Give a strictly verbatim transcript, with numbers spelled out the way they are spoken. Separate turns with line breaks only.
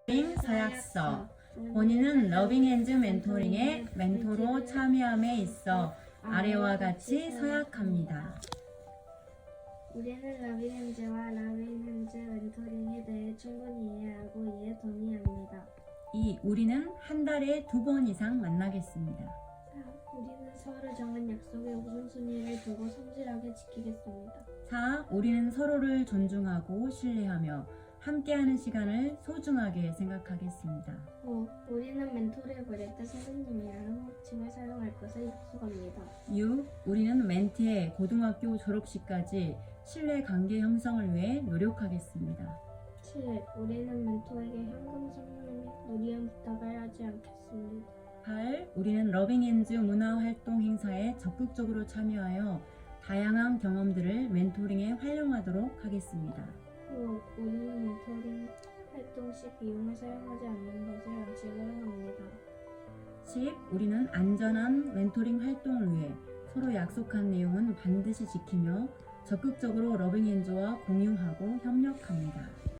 서약서. 본인은 러빙핸즈 멘토링의 멘토로 참여함에 있어 아래와 같이 서약합니다.
우리는 러빙핸즈와 러빙핸즈 멘토링에 대해 충분히 이해하고 이에 동의합니다.
이. 우리는 한 달에 두 번 이상 만나겠습니다.
사. 우리는 서로 정한 약속의 우선순위를 두고 성실하게 지키겠습니다.
사. 우리는 서로를 존중하고 신뢰하며 함께하는 시간을 소중하게 생각하겠습니다.
오. 우리는 멘토를 부를 때 선생님이라는 호칭을 사용할 것을 약속합니다.
육. 우리는 멘티의 고등학교 졸업식까지 신뢰 관계 형성을 위해 노력하겠습니다.
칠. 우리는 멘토에게 현금 선물 및 무리한 부탁을 하지 않겠습니다.
팔. 우리는 러빙핸즈 문화활동 행사에 적극적으로 참여하여 다양한 경험들을 멘토링에 활용하도록 하겠습니다.
오. 우리는 멘토링 활동 시 비용을 사용하지 않는 것을 원칙으로 합니다.
십. 우리는 안전한 멘토링 활동을 위해 서로 약속한 내용은 반드시 지키며 적극적으로 러빙핸즈와 공유하고 협력합니다.